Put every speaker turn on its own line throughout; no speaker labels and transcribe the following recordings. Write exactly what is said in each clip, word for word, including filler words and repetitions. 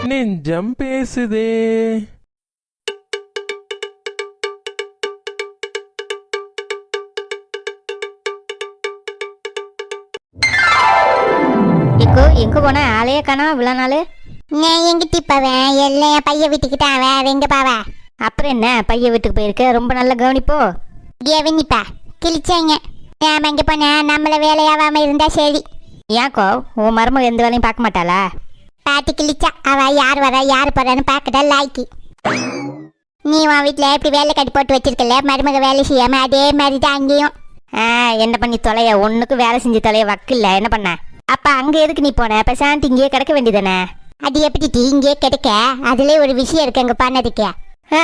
நெஞ்சம் பேசுதே.
எங்கோ எங்க போன ஆளையே காணோம் இவ்வளோ நாள்.
நான் எங்கிட்டி போவேன், எல்லாம் என் பையன் வீட்டுக்கிட்டான். வேற எங்க பாவா?
அப்புறம் என்ன பையன் வீட்டுக்கு போயிருக்க, ரொம்ப நல்லா கவனிப்போ.
கவனிப்பா கிழிச்சாங்க. நாம எங்க போனா நம்மள வேலையாவாம இருந்தா சரி.
ஏன்க்கோ உன் மருமக எந்த வேலையும் பார்க்க மாட்டாளா?
பாட்டி கிழிச்சா அவ யார் வரா யார் போறான்னு பார்க்கடா லாய்க்கு. நீ உன் வீட்டில் எப்படி வேலை கட்டி போட்டு வச்சிருக்கல, மருமக வேலை செய்யாம அதே மாதிரி தான் அங்கேயும்.
ஆ என்ன பண்ணி தொலைய, ஒன்றுக்கும் வேலை செஞ்சு தொலைய வக்கில்ல, என்ன பண்ண? அப்போ அங்கே எதுக்கு நீ போன? இப்போ சாந்தி இங்கேயே கிடக்க வேண்டியதானே?
அது எப்படி டீ இங்கே கிடைக்க? அதுல ஒரு விஷயம் இருக்கு அங்கே பண்ணதுக்கு.
ஆ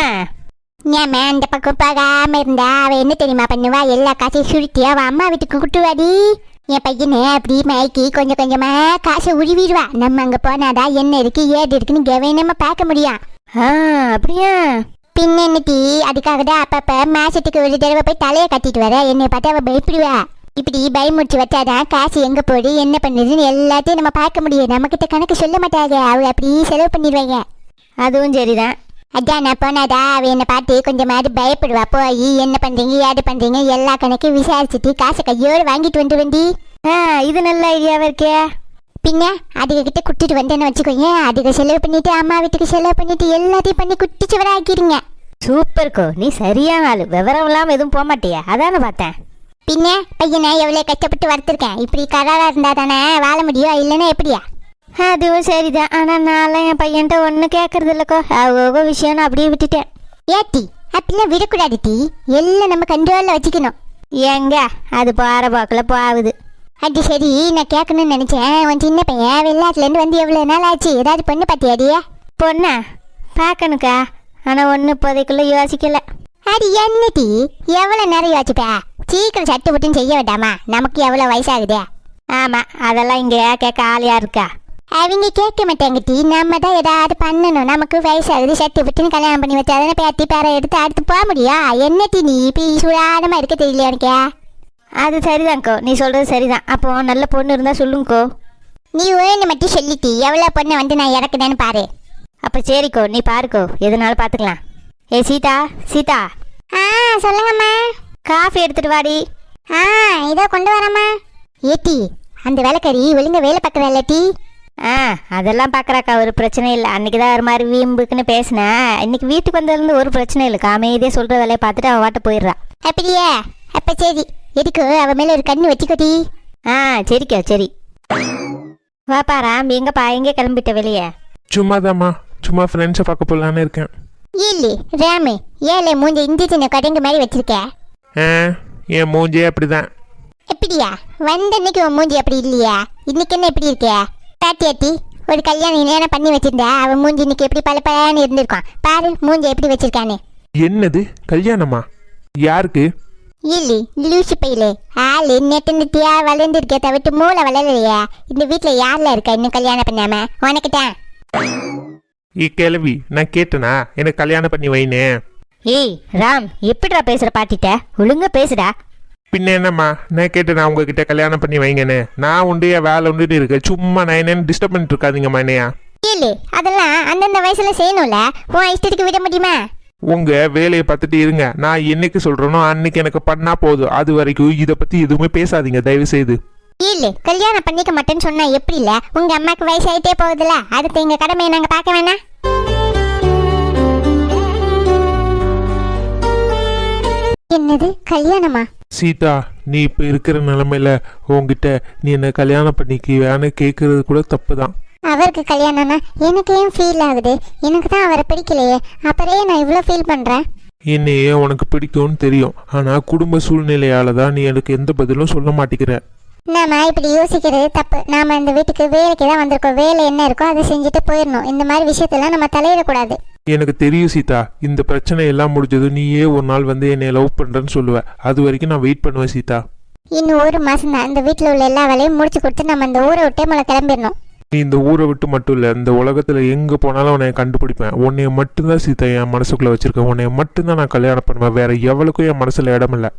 ஏமா அந்த பக்கம் போகாம இருந்தா அவ என்ன தெரியுமா பண்ணுவா? எல்லா காசையும் சுருட்டி அவ அம்மா வீட்டுக்கு குட்டுவாடி. என் பையனை அப்படி மயக்கி கொஞ்சம் கொஞ்சமா காசை உருவிடுவா. நம்ம அங்க போனாதான் என்ன இருக்கு ஏது இருக்குன்னு கவனமா பார்க்க முடியும்.
ஆ அப்படியா?
பின்ன என்ன டீ, அதுக்காக தான் அப்பப்ப மாசத்துக்கு ஒரு தடவை போய் தலையை கட்டிட்டு வர. என்னை பார்த்து அவ பயப்படுவா. இப்படி பயமுடிச்சு வச்சாதான் காசு எங்க போடு என்ன பண்ணுதுன்னு எல்லாத்தையும் நம்ம பார்க்க முடியும். நம்ம கிட்ட கணக்கு சொல்ல மாட்டாங்க, அவங்க அப்படி செலவு பண்ணிடுவாங்க.
அதுவும் சரிதான்.
அதான் நான் போனாதா அவ என்னை பார்த்து கொஞ்சம் மாதிரி பயப்படுவா. போய் என்ன பண்றீங்க ஏது பண்றீங்க எல்லா கணக்கையும் விசாரிச்சுட்டு காசை கையோடு வாங்கிட்டு வந்து வண்டி.
ஆ இது நல்ல ஐடியாவா இருக்கே.
பின்ன அதுக கிட்ட குட்டிட்டு வந்தேன்னு வச்சுக்கோங்க, அதுக செலவு பண்ணிட்டு அம்மா வீட்டுக்கு செலவு பண்ணிட்டு எல்லாத்தையும் பண்ணி குட்டிச்சு வர ஆக்கிடுங்க.
சூப்பர்க்கோ, நீ சரியான ஆளு. விவரம் இல்லாமல் எதுவும் போக மாட்டியா? அதானே பார்த்தேன்.
பின்ன பையனை எவ்வளோ கஷ்டப்பட்டு வளர்த்துருக்கேன். இப்படி கராரா இருந்தா தானே வாழ முடியும், இல்லைன்னா எப்படியா?
அதுவும் சரிதான். ஆனால் நான்லாம் என் பையன்ட்ட ஒன்றும் கேட்கறது இல்லைக்கோ. அவ்வளோ விஷயம் அப்படியே விட்டுட்டேன்.
ஏத்தி அப்படிலாம் விடக்கூடாது டீ, எல்லாம் நம்ம கண்ட்ரோலில் வச்சுக்கணும்.
எங்க அது போகிற போக்கில் போகுது.
அது சரி, நான் கேட்கணும்னு நினச்சேன். உன் சின்ன பையன் வெளிநாட்டுலேருந்து வந்து எவ்வளோ நாள் ஆச்சு? ஏதாவது பொண்ணு பார்த்தியாடியே?
பொண்ணா பார்க்கணுக்கா, ஆனால் ஒன்றும் இப்போதைக்குள்ளே யோசிக்கலை.
அது என்ன டீ, எவ்வளோ நேரம் யோசிப்பா? சீக்கிரம் சட்டு புட்டுன்னு செய்ய வேண்டாமா? நமக்கு எவ்வளோ வயசாகுதே.
ஆமாம், அதெல்லாம் இங்கே கேட்க ஆளியா இருக்கா?
அவங்க கேட்க மாட்டாங்க டீ, நம்ம தான் ஏதாவது பண்ணணும். நமக்கு வயசாகுது சட்டு புட்டுன்னு கல்யாணம் பண்ணி வச்சாதானே பேத்தி பேரை எடுத்து அடுத்து போக முடியும். என்ன டீ நீ இப்போ சுடாதமாக இருக்க தெரியல உனக்கே?
அது சரிதான்க்கோ, நீ சொல்கிறது சரிதான். அப்போ நல்ல பொண்ணு இருந்தால் சொல்லுங்கக்கோ.
நீ வேணும் மட்டும் சொல்லிட்டி எவ்வளோ பொண்ணை வந்து நான் இறக்குனேன்னு பாரு.
அப்போ சரிக்கோ, நீ பாருக்கோ, எதுனாலும் பார்த்துக்கலாம். ஏ சீதா, சீதா.
ஆ சொல்லுங்கம்மா.
காஃபி எடுத்துட்டு வாடி.
ஆ இதோ கொண்டு வரம்மா. ஏட்டி அந்த வேலைக்காரி ஒழுங்க வேலை பார்க்குறா டீ?
ஆ அதெல்லாம் பார்க்குறாக்கா, ஒரு பிரச்சனை இல்லை. அன்றைக்கி தான் ஒரு மாதிரி வீம்புக்குன்னு பேசினேன். இன்னைக்கு வீட்டுக்கு வந்ததுலேருந்து ஒரு பிரச்சனை இல்லைக்கா. அமைதியாக சொல்கிற வேலையை பார்த்துட்டு அவள் வாட்ட போயிடுறா.
அப்படியே? அப்போ சரி, எதுக்கு அவள் மேலே ஒரு கண்ணு வச்சுக்கோடி.
ஆ சரிக்கா சரி. வாப்பா ராம், எங்கப்பா எங்கே கிளம்பிட்ட வெளியே?
சும்மாதாம்மா, சும்மா ஃப்ரெண்ட்ஸை பார்க்க போகலான்னு இருக்கேன்.
இல்லை ராமு, ஏழை மூஞ்ச இந்தி சின்ன கடைங்க மாதிரி வச்சிருக்க.
ஆ என் மூஞ்சே அப்படிதான்.
எப்படியா வந்த அன்னைக்கு உன் மூஞ்சி அப்படி இல்லையா? இன்னைக்கு என்ன எப்படி இருக்க? பாத்தியாட்டி ஒரு கல்யாணம் நேரம் பண்ணி வச்சிருந்தா அவன் மூஞ்சி இன்னைக்கு எப்படி பல பலன்னு இருந்திருக்கான். பாரு மூஞ்சி எப்படி வச்சிருக்கானு.
என்னது கல்யாணமா? யாருக்கு?
இல்லை லூசி பையிலே ஆளு நெட்டு நெட்டியா வளர்ந்துருக்கே தவிர்த்து மூளை வளரலையா? இந்த வீட்டில் யாரில் இருக்கா இன்னும் கல்யாணம் பண்ணாம? உனக்குதான்.
ஈ கிளவி, நான் கேட்டனா எனக்கு கல்யாணம் பண்ணி வைனே.
ஏய் ராம், எப்படிடா பேசுகிற பாட்டிட்ட? ஒழுங்கா பேசுடா.
பின்ன என்னம்மா, நான் கேட்டேனா உங்ககிட்ட கல்யாணம் பண்ணி வைங்கன்னு? நான் உண்டு என் வேலை உண்டுன்னு இருக்கேன். சும்மா நான் என்னன்னு டிஸ்டர்ப் பண்ணிட்டு இருக்காதீங்கம்மா என்னையா.
இல்லை அதெல்லாம் அந்தந்த வயசுல செய்யணும்ல, உன் இஷ்டத்துக்கு விட முடியுமா?
உங்க வேலையை பார்த்துட்டு இருங்க. நான் என்னைக்கு சொல்றேனோ அன்னைக்கு எனக்கு பண்ணா போதும். அது வரைக்கும் இதை பத்தி எதுவுமே பேசாதீங்க தயவு செய்து.
இல்லை கல்யாணம் பண்ணிக்க மாட்டேன்னு சொன்னா எப்படி? இல்லை உங்க அம்மாக்கு வயசாயிட்டே போகுதுல, அடுத்து எங்க கடமையை நாங்க பார்க்க வேணாம்? என்னது கல்யாணமா?
சீதா, நீ இப்ப இருக்கிற நிலைமையில உங்ககிட்ட நீ என்ன கல்யாணம் பண்ணிக்குவேன்னு கேட்கறது கூட தப்பு தான்.
அவருக்கு கல்யாணம்னா எனக்கு ஏன் ஃபீல் ஆகுது? எனக்கு தான் அவரை பிடிக்கலையே, அப்புறம் நான் இவ்வளோ ஃபீல் பண்றேன்.
என்னையே உனக்கு பிடிக்கும்னு தெரியும், ஆனா குடும்ப சூழ்நிலையால தான் நீ எனக்கு எந்த பதிலும் சொல்ல மாட்டேங்கிற.
நாம இப்படி யோசிக்கிறது தப்பு. நாம இந்த வீட்டுக்கு வேலைக்கு தான் வந்திருக்கோம். வேலை என்ன இருக்கோ அதை செஞ்சுட்டு போயிடணும். இந்த மாதிரி விஷயத்தெல்லாம் நம்ம தலையிடக்கூடாது.
எனக்கு தெரியும் சீதா, இந்த பிரச்சனை எல்லாம் முடிஞ்சது நீயே ஒரு நாள் வந்து என்னை லவ் பண்றேன்னு சொல்லுவ. அது வரைக்கும் நான் வெயிட் பண்ணுவேன் சீதா.
இன்னும் ஒரு மாசம் தான் இந்த வீட்டில் உள்ள எல்லா வேலையும் முடிச்சு கொடுத்து நம்ம இந்த ஊரை விட்டே மேலே கிளம்பிடணும்.
நீ இந்த ஊரை விட்டு மட்டும் இல்லை, இந்த உலகத்துல எங்க போனாலும் உன்னை கண்டுபிடிப்பேன். உன்னைய மட்டும்தான் சீதா என் மனசுக்குள்ள வச்சிருக்கேன். உன்னைய மட்டும்தான் நான் கல்யாணம் பண்ணுவேன். வேற எவளுக்கும் என் மனசுல இடம் இல்லை.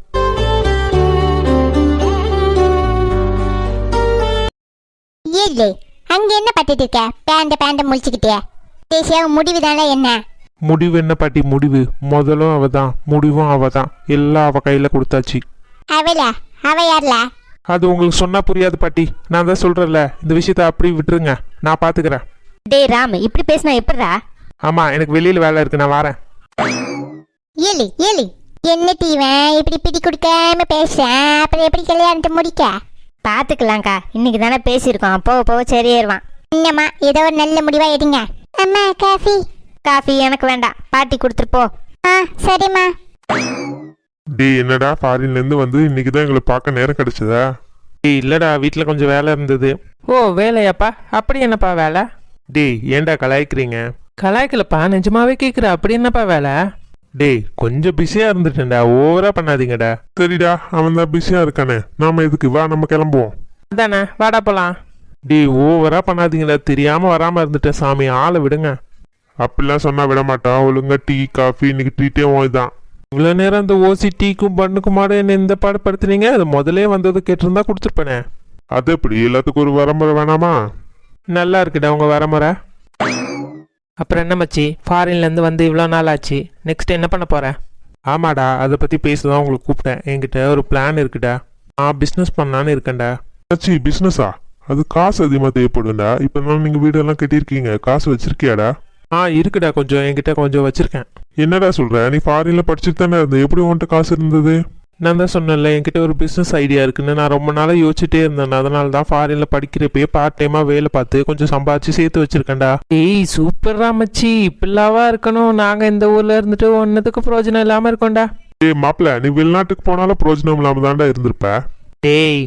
இல்லை அங்க என்ன பட்டுட்டு இருக்க? பேண்ட பேண்ட முழிச்சுக்கிட்டே தேசியா முடிவு தானே என்ன?
முடிவு என்ன பாட்டி முடிவு? முதலும் அவ தான், முடிவும் அவ தான். எல்லாம் அவ கையில் கொடுத்தாச்சு.
அவளா? அவ யார்ல?
அது உங்களுக்கு சொன்னா புரியாது பாட்டி. நான் தான் சொல்றேன்ல, இந்த விஷயத்த அப்படி விட்டுருங்க, நான் பாத்துக்கிறேன்.
டேய் ராம், இப்படி பேசினா எப்படிடா?
ஆமா, எனக்கு வெளியில வேலை இருக்கு, நான் வரேன்.
ஏலி ஏலி என்ன தீவன் இப்படி பிடி கொடுக்காம பேசுறேன், அப்புறம் எப்படி கல்யாணத்தை முடிக்க?
பார்த்துக்கலாம்க்கா, இன்னைக்கு தானே பேசியிருக்கோம், போக போக சரியாயிருவான்.
என்னம்மா ஏதோ ஒரு நல்ல முடிவா எடுங்க. அம்மா காஃபி.
காஃபி எனக்கு வேண்டாம், பாட்டி கொடுத்துட்டு போ.
ஆ சரிம்மா.
டேய் என்னடா, ஃபாரின்ல இருந்து வந்து இன்னைக்கு தான் எங்களை பார்க்க நேரம் கிடைச்சதா? டேய் இல்லடா, வீட்டில் கொஞ்சம் வேலை இருந்தது.
ஓ வேலையாப்பா? அப்படி என்னப்பா வேலை?
டேய் ஏன்டா கலாய்க்கிறீங்க?
கலாய்க்கலப்பா, நிஜமாவே கேட்குற. அப்படி என்னப்பா வேலை?
டேய் கொஞ்சம் பிஸியா இருந்துட்டேன்டா, ஓவரா பண்ணாதீங்கடா. சரிடா, அவன் தான் பிஸியா இருக்கானே, நாம எதுக்கு, வா நம்ம கிளம்புவோம்.
அதானே, வாடா போலாம்.
டேய் ஓவரா பண்ணாதீங்கடா, தெரியாம வராம இருந்துட்டேன் சாமி, ஆளை விடுங்க. அப்படிலாம் சொன்னா விட மாட்டான். ஒழுங்கா டீ காஃபி இன்னைக்கு ட்ரீட்டே தான். இவ்வளோ நேரம் அந்த ஓசி டீக்கும் பண்ணுக்குமாட என்ன இந்த பாடுபடுத்துனீங்க? அது முதலே வந்தது கேட்டிருந்தா கொடுத்துருப்பேனே. அது எப்படி, எல்லாத்துக்கும் ஒரு வரமுறை வேணாமா? நல்லா இருக்குடா உங்க வரமுறை.
அப்புறம் என்ன மச்சி, ஃபாரின்லேருந்து வந்து இவ்வளோ நாள் ஆச்சு, நெக்ஸ்ட் என்ன பண்ண போகிறேன்?
ஆமாடா, அதை பற்றி பேச தான் உங்களுக்கு கூப்பிட்டேன். என்கிட்ட ஒரு பிளான் இருக்குடா, நான் பிஸ்னஸ் பண்ணலான்னு இருக்கேன்டா. ஆச்சு பிஸ்னஸா? அது காசு அதிகமாக தேவைப்படும்டா. இப்போ தான் நீங்கள் வீடெல்லாம் கட்டியிருக்கீங்க, காசு வச்சிருக்கியாடா? ஆ இருக்குடா, கொஞ்சம் என்கிட்ட கொஞ்சம் வச்சிருக்கேன். என்னடா சொல்கிற, நீ ஃபாரினில் படிச்சுட்டு தானே இருந்த, எப்படி உன்கிட்ட காசு இருந்தது? நான் தான் சொன்னேன்ல, என்கிட்ட ஒரு பிஸ்னஸ் ஐடியா இருக்குன்னு. நான் ரொம்ப நாளாக யோசிச்சுட்டே இருந்தேன். அதனால தான் ஃபாரினில் படிக்கிறப்பயே பார்ட் டைமாக வேலை பார்த்து கொஞ்சம் சம்பாதிச்சு சேர்த்து வச்சிருக்கேன்டா.
ஏய் சூப்பர்ரா மச்சி, இப்படிலாவா இருக்கணும். நாங்கள் இந்த ஊரில் இருந்துட்டு ஒன்றுத்துக்கு பிரயோஜனம் இல்லாமல் இருக்கோம்டா.
ஏய் மாப்பிள்ள, நீ வெளிநாட்டுக்கு போனாலும் பிரயோஜனம் இல்லாமல் தான்டா இருந்திருப்ப.
டேய்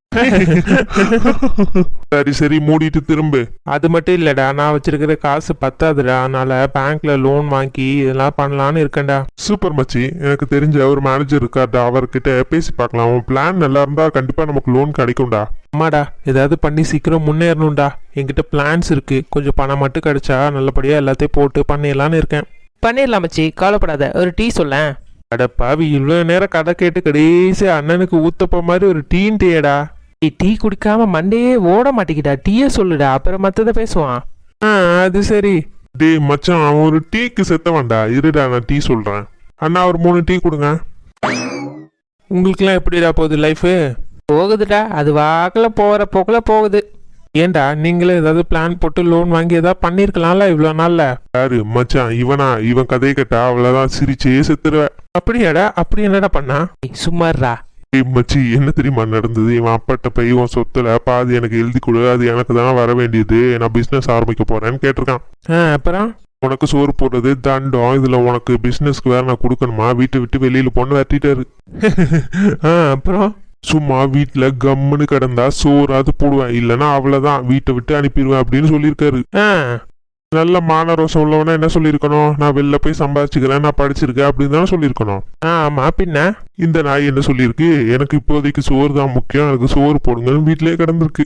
சரி சரி மூடிட்டு திரும்ப. அது மட்டும் இல்லடா, நான் வச்சிருக்கிற காசு பத்தாதுடா, அதனால பேங்க்ல லோன் வாங்கி இதெல்லாம் பண்ணலான்னு இருக்கேன்டா. சூப்பர் மச்சி, எனக்கு தெரிஞ்ச ஒரு மேனேஜர் இருக்காருடா, அவர்கிட்ட பேசி பார்க்கலாம். உன் பிளான் நல்லா இருந்தா கண்டிப்பா நமக்கு லோன் கிடைக்கும்டா. ஆமாடா, ஏதாவது பண்ணி சீக்கிரம் முன்னேறணும்டா. என்கிட்ட பிளான்ஸ் இருக்கு, கொஞ்சம் பணம் மட்டும் கிடைச்சா நல்லபடியா எல்லாத்தையும் போட்டு பண்ணிடலான்னு இருக்கேன்.
பண்ணிடலாம் மச்சி, கவலைப்படாத. ஒரு டீ சொல்லேன்.
அட பாவி, இவ்வளோ நேரம் கதை கேட்டு கடைசி அண்ணனுக்கு ஊத்தப்ப மாதிரி ஒரு டீன் டீயடா.
டீ டீ குடிக்காம மண்டையே ஓட மாட்டேங்கிட்டா. டீயே சொல்லுடா, அப்புறம் மற்றதை பேசுவான்.
ஆ அது சரி. டே மச்சான், அவன் ஒரு டீக்கு செத்தவன்டா. இருடா நான் டீ சொல்கிறேன். அண்ணா ஒரு மூணு டீ கொடுங்க. உங்களுக்குலாம் எப்படிடா போகுது லைஃபு?
போகுதுடா, அது வாக்கில் போகிற போக்கில் போகுது.
ஏன்டா நீங்களே ஏதாவது பிளான் போட்டு லோன் வாங்கி ஏதாவது பண்ணியிருக்கலாம்ல இவ்வளோ நாளில்? யாரு மச்சான், இவனா? இவன் கதையை கேட்டா அவ்வளோதான், சிரிச்சே செத்துருவேன். அப்படியாடா? அப்படி என்னடா பண்ணா?
சும்மாறா.
ஏய் மச்சி, என்ன தெரியுமா நடந்தது? இவன் அப்பாட்ட போய் உன் சொத்துல பாதி எனக்கு எழுதி கொடு, அது எனக்கு தான் வர வேண்டியது, நான் பிஸ்னஸ் ஆரம்பிக்க போறேன்னு கேட்டிருக்கான். ஆ அப்புறம் உனக்கு சோறு போடுறது தண்டம், இதுல உனக்கு பிஸ்னஸ்க்கு வேற நான் கொடுக்கணுமா? வீட்டை விட்டு வெளியில பொண்ணு வெட்டிட்டாரு. ஆ அப்புறம் சும்மா வீட்டுல கம்முன்னு கிடந்தா சோறாது போடுவேன், இல்லைன்னா அவ்வளவுதான் வீட்டை விட்டு அனுப்பிடுவேன் அப்படின்னு சொல்லியிருக்காரு. ஆ நல்ல மானரோசம் உள்ளவனா என்ன சொல்லியிருக்கணும்? நான் வெளில போய் சம்பாதிச்சுக்கிறேன், நான் படிச்சிருக்கேன் அப்படின்னு தானே சொல்லியிருக்கணும். ஆ ஆமா, பின்ன இந்த நாய் என்ன சொல்லியிருக்கு? எனக்கு இப்போதைக்கு சோறு தான் முக்கியம், எனக்கு சோறு போடுங்கன்னு வீட்டிலேயே கிடந்திருக்கு.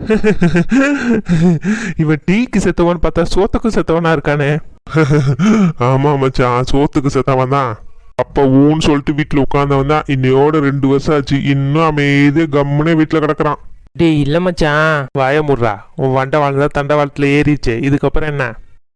இவன் டீக்கு செத்தவன் பார்த்தா சோத்துக்கு செத்தவனா இருக்கானே. ஆமா மச்சான், சோத்துக்கு செத்தவன் தான். அப்ப ஊன்னு சொல்லிட்டு வீட்டுல உட்காந்தவன் தான் இன்னையோட ரெண்டு வருஷம் ஆச்சு, இன்னும் அமைதியா கம்முனே வீட்டுல கிடக்குறான்.
டேய் இல்லை மச்சான்.
வாய முடுறா, உன் வண்டை வாழ்ந்தா தண்டை வாழ்த்துல ஏறிச்சு, இதுக்கப்புறம் என்ன?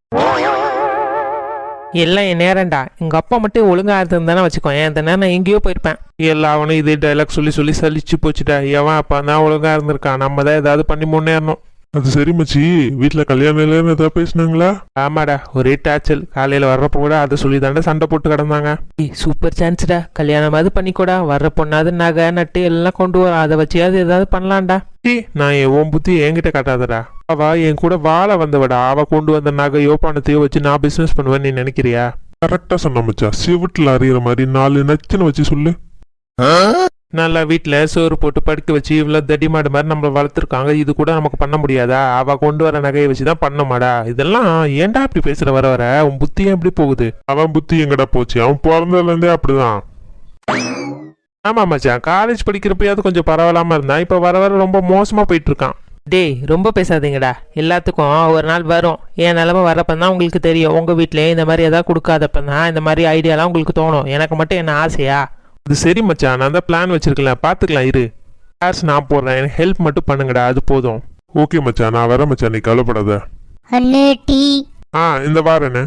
எல்லாம் என் நேரம்டா. எங்கள் அப்பா மட்டும் ஒழுங்காக இருந்திருந்தானே வச்சுக்கோ, ஏன் இந்த நேரம் நான் எங்கேயோ போயிருப்பேன்.
எல்லா அவனும் இதே டைலாக் சொல்லி சொல்லி சலிச்சு போச்சுட்டா. எவன் அப்பா தான் ஒழுங்கா இருந்திருக்கான், நம்ம தான் ஏதாவது பண்ணி முன்னேறணும். அது சரி மச்சி, வீட்டில் கல்யாணம் இல்லைன்னு ஏதாவது பேசினாங்களா? ஆமாடா, ஒரே டாச்சல். காலையில் வர்றப்போ கூட அதை சொல்லி தாண்டா சண்டை போட்டு கிடந்தாங்க.
ஏய் சூப்பர் சான்ஸ்டா, கல்யாணமாவது பண்ணிக்கூடா. வர்ற பொண்ணாவது நகை நட்டு எல்லாம் கொண்டு வர, அதை வச்சியாவது ஏதாவது பண்ணலாம்டா.
டீ நான் என் உன் புத்தி என்கிட்ட காட்டாதடா. அவ என் கூட வாழ வந்தவடா, அவ கொண்டு வந்த நகையோ பணத்தையோ வச்சு நான் பிசினஸ் பண்ணுவேன்னு நீ நினைக்கிறியா? கரெக்டா சொன்ன மச்சா, சிவட்டில் அறிகிற மாதிரி நாலு நச்சுன்னு வச்சு சொல்லு. நல்லா வீட்டில் சோறு போட்டு படுக்க வச்சு இவ்வளோ தடிமாடு மாதிரி நம்மளை வளர்த்துருக்காங்க, இது கூட நமக்கு பண்ண முடியாதா? அவ கொண்டு வர நகையை வச்சு தான் பண்ணமாடா. இதெல்லாம் ஏன்டா அப்படி பேசுற? வர வர உன் புத்தி ஏன் எப்படி போகுது? அவன் புத்தி எங்கடா போச்சு? அவன் பிறந்ததுலேருந்தே அப்படிதான். ஆமா மச்சான், காலேஜ் படிக்கிறப்பயாவது கொஞ்சம் பரவாயில்லாம இருந்தான், இப்போ வர வர ரொம்ப மோசமா போயிட்டு இருக்கான்.
டேய் ரொம்ப பேசாதீங்கடா. எல்லாத்துக்கும் ஒரு நாள் வரும். என் நிலமை வரப்போ தான் உங்களுக்கு தெரியும். உங்கள் வீட்டிலே இந்த மாதிரி எதாவது கொடுக்காதப்ப தான் இந்த மாதிரி ஐடியாலாம் உங்களுக்கு தோணும். எனக்கு மட்டும் என்ன ஆசையா?
அது சரி மச்சான், நான் தான் பிளான் வச்சிருக்கல, பார்த்துக்கலாம் இரு. காசு நான் போடுறேன், எனக்கு ஹெல்ப் மட்டும் பண்ணுங்கடா, அது போதும். ஓகே மச்சான், நான் வரேன் மச்சான், நீ கவலைப்படாத.
அண்ணே டீ.
ஆ இந்த வாரண்ணே.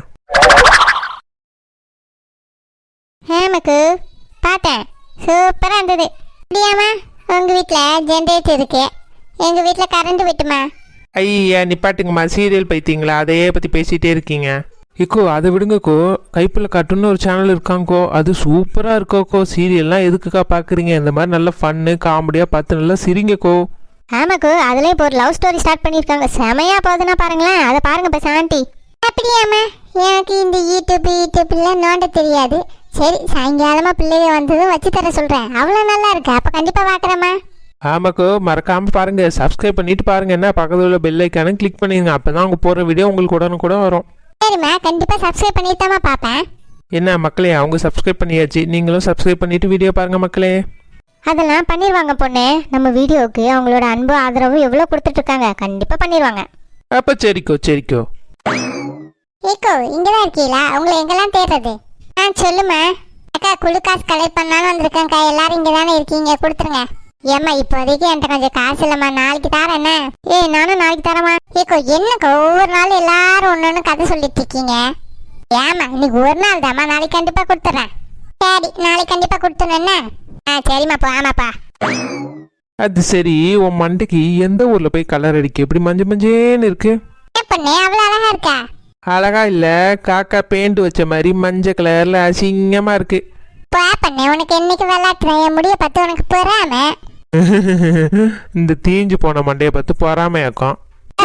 ஹேமக்கு பார்த்தேன், சூப்பராக இருந்தது. அப்படியாம்மா உங்கள் வீட்டில் ஜென்ரேட்டர் இருக்கு, எங்கள் வீட்டில் கரண்ட் விட்டுமா?
ஐயா நிப்பாட்டுங்கம்மா, சீரியல் பைத்திங்களா அதையே பற்றி பேசிகிட்டே இருக்கீங்க. இக்கோ அதை விடுங்கக்கோ, கைப்பில் காட்டுன்னு ஒரு சேனல் இருக்காங்கக்கோ, அது சூப்பராக இருக்கோக்கோ. சீரியல்லாம் எதுக்குக்கா பார்க்குறீங்க? இந்த மாதிரி நல்ல ஃபன்னு காமெடியாக பார்த்து நல்லா சிரிங்கக்கோ.
ஆமாக்கோ, அதில் இப்போ ஒரு லவ் ஸ்டோரி ஸ்டார்ட் பண்ணியிருக்காங்க, செமையா போகுதுன்னா பாருங்களேன், அதை பாருங்க இப்போ சாந்தி.
அப்படியாம்மா எனக்கு இந்த யூடியூப் யூடியூப்லாம் நோண்ட தெரியாது. சரி சாயங்காலமாக பிள்ளைய வந்ததும் வச்சு தர சொல்கிறேன். அவ்வளோ நல்லா இருக்கு, அப்போ கண்டிப்பாக பார்க்குறேம்மா.
ஆமாக்கோ, மறக்காமல் பாருங்கள், சப்ஸ்கிரைப் பண்ணிட்டு பாருங்கள். என்ன பக்கத்தில் உள்ள பெல் ஐக்கானும் கிளிக் பண்ணிடுங்க, அப்போ தான் அவங்க போகிற வீடியோ உங்களுக்கு உடனே கூட வரும்.
சரிம்மா கண்டிப்பாக சப்ஸ்கிரைப் பண்ணிட்டாமா பார்ப்பேன்.
என்ன மக்களே, அவங்க சப்ஸ்கிரைப் பண்ணியாச்சு, நீங்களும் சப்ஸ்கிரைப் பண்ணிட்டு வீடியோ பாருங்கள் மக்களே.
அதெல்லாம் பண்ணிடுவாங்க பொண்ணு, நம்ம வீடியோவுக்கு அவங்களோட அன்பு ஆதரவு எவ்வளோ கொடுத்துட்ருக்காங்க, கண்டிப்பாக பண்ணிடுவாங்க.
அப்போ சரிக்கோ சரிக்கோ.
ஏக்கோ இங்கே தான் இருக்கீங்களா? உங்களை எங்கெல்லாம் தேடுறது? ஆ சொல்லுமா. அக்கா குழு காசு கலெக்ட் பண்ணாலும் வந்திருக்கேன்க்கா, எல்லாரும் இங்கே தானே இருக்கீங்க, கொடுத்துருங்க. ஏம்மா இப்போதைக்கு என்கிட்ட கொஞ்சம் காசு இல்லைம்மா, நாளைக்கு தரேன். என்ன ஏய் நானும் நாளைக்கு தரேம்மா. ஏக்கோ என்னக்கா ஒவ்வொரு நாள் எல்லாரும் ஒன்று ஒன்று கதை சொல்லிட்டு இருக்கீங்க? ஏம்மா இன்னைக்கு ஒரு நாள் தாம்மா, நாளைக்கு கண்டிப்பாக கொடுத்துட்றேன். சரி நாளைக்கு கண்டிப்பாக கொடுத்துறேன். என்ன ஆ சரிம்மாப்பா. ஆமாப்பா.
அது சரி, உன் மண்டைக்கு எந்த ஊரில் போய் கலர் அடிக்க எப்படி மஞ்சள் மஞ்சேன்னு இருக்கு?
என்ன பொண்ணு அவ்வளோ அழகா இருக்கா?
அழகா இல்லை, காக்கா பெயிண்ட் வச்ச மாதிரி மஞ்சள் கலரில் அசிங்கமாக இருக்கு.
போ பண்ணு, உனக்கு என்னைக்கு விளையாட்டுறேன், என் முடிய பார்த்து உனக்கு பொறாம.
இந்த தீஞ்சு போன மண்டையை பார்த்து பொறாமையாக்கும்.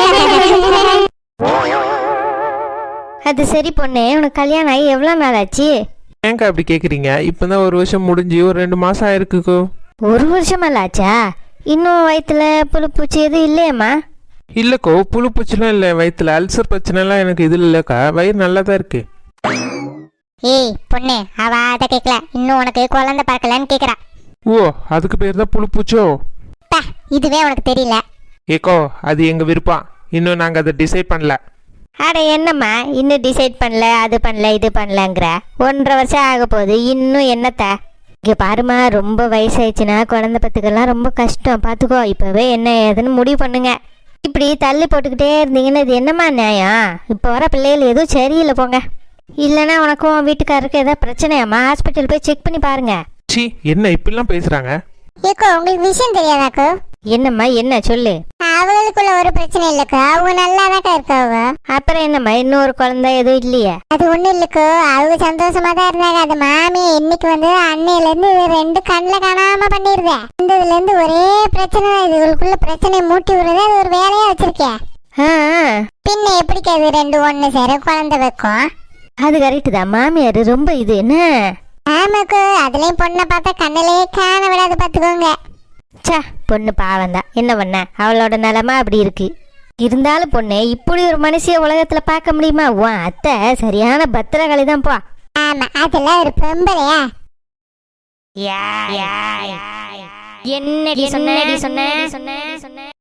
அது சரி பொண்ணு, உனக்கு கல்யாணம் ஆகி எவ்வளோ நாள் ஆச்சு?
ஏங்க அப்படி கேட்குறீங்க? இப்போ தான் ஒரு வருஷம் முடிஞ்சு ஒரு ரெண்டு மாதம் ஆயிருக்குக்கோ.
ஒரு வருஷமெல்லாம் ஆச்சா? இன்னும் வயிற்றுல புழுப்பூச்சி எதுவும் இல்லையம்மா?
இல்லைக்கோ, புழு பூச்சிலாம் இல்லை, வயிற்றுல அல்சர் பிரச்சனைலாம் எனக்கு இது இல்லைக்கா, வயிறு நல்லா தான் இருக்கு.
ஏய் பொண்ணு அவ அதை கேட்கல, இன்னும் உனக்கு குழந்தை பார்க்கலன்னு கேட்குறா.
ஓ அதுக்கு பேர் தான் புழு பூச்சோ?
பா இதுவே உனக்கு தெரியல.
ஏக்கோ அது எங்கள் விருப்பம், இன்னும் நாங்கள் அதை டிசைட் பண்ணல.
அட என்னம்மா இன்னும் டிசைட் பண்ணல, அது பண்ணல இது பண்ணலங்கிற? ஒன்றரை வருஷம் ஆக போகுது, இன்னும் என்னத்த? இங்கே பாருமா, ரொம்ப வயசாயிடுச்சுன்னா குழந்தை பத்துக்கெல்லாம் ரொம்ப கஷ்டம், பார்த்துக்கோ. இப்போவே என்ன ஏதுன்னு முடிவு பண்ணுங்க. இப்படி தள்ளி போட்டுக்கிட்டே இருந்தீங்கன்னா இது என்னம்மா நியாயம்? இப்போ வர பிள்ளைகள் எதுவும் சரியில்லை போங்க. இல்லைன்னா உனக்கும் வீட்டுக்காரருக்கு ஏதாவது பிரச்சனையாம்மா, ஹாஸ்பிட்டல் போய் செக் பண்ணி பாருங்க.
சி என்ன இப்படிலாம் பேசுகிறாங்க?
ஏக்கோ உங்களுக்கு விஷயம் தெரியாதாக்கோ?
என்னம்மா என்ன சொல்லு.
அவங்களுக்குள்ள ஒரு பிரச்சனை இல்லைக்கோ, அவங்க நல்லா தாக்கா இருக்காவ.
அப்புறம் என்னம்மா இன்னொரு குழந்தை எதுவும் இல்லையே?
அது ஒன்றும் இல்லைக்கோ, அவங்க சந்தோஷமா தான் இருந்தாங்க. அது மாமியை இன்னைக்கு வந்து அன்னையிலேருந்து இது ரெண்டு கண்ணில் காணாம பண்ணிடுதேன். இருந்து ஒரே பிரச்சனை தான். இதுகளுக்குள்ள பிரச்சனையை மூட்டி விடுறது அது ஒரு வேலையா வச்சிருக்கேன்.
ஆ
பின்ன எப்படிக்கா இது ரெண்டு ஒன்று சேர குழந்தை வைக்கும்?
அது கரெக்டு தான், மாமியார் ரொம்ப இது என்ன.
ஆமாக்கோ, அதுலயும் பொண்ணை பார்த்தா கண்ணிலேயே காண விடாது, பார்த்துக்கோங்க.
சா பொண்ணு பாவம்தான், என்ன பண்ண, அவளோட நிலமா அப்படி இருக்கு. இருந்தாலும் பொண்ணு இப்படி ஒரு மனுஷிய உலகத்துல பார்க்க முடியுமா? உன் அத்தை சரியான பத்திரகாளி தான் போ.
ஆமா அதெல்லாம் ஒரு பொம்பளையா?
என்னடி சொன்ன சொன்ன